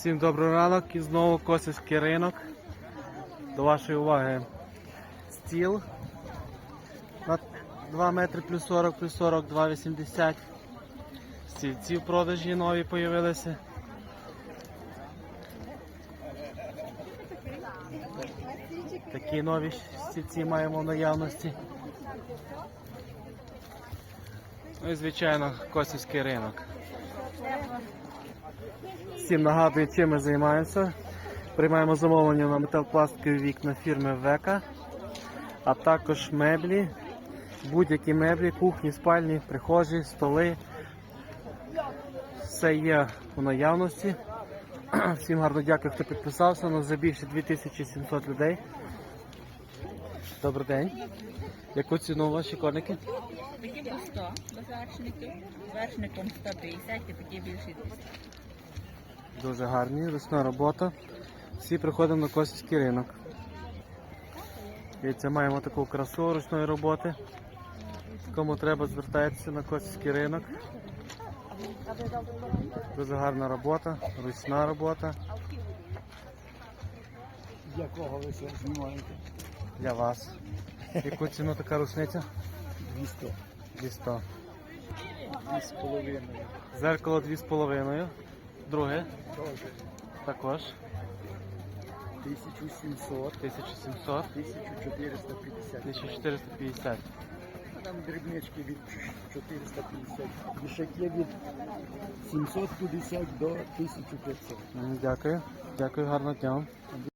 Всім добрий ранок і знову Косівський ринок. До вашої уваги стіл на 2 метри плюс 40, 2,80. Стільці в продажі нові з'явилися. Такі нові стільці маємо в наявності. Ну і звичайно Косівський ринок. Всім нагадую, чим ми займаємося. Приймаємо замовлення на металопластикові вікна фірми Века, а також меблі, будь-які меблі, кухні, спальні, прихожі, столи. Все є у наявності. Всім гарно дякую, хто підписався. У нас вже більше 2700 людей. Добрий день. Яку ціну ваші коники? Такі по 100 без вершників, вершником 150 і такі більші 200. Дуже гарні, ручна робота. Всі приходимо на Косівський ринок. Дивіться, маємо таку красу ручної роботи. Кому треба, звертайтеся на Косівський ринок. Дуже гарна робота, ручна робота. Для кого ви це знімаєте? Для вас. Яку ціну така рушниця? 200. 200. 2,5. Зеркало 2,5. Друге Теж також 1700, 1700. 1450. 1450. Там дрібнички від 450. Вішаки від 750 до 1500. Дякую. Дякую, гарного дня.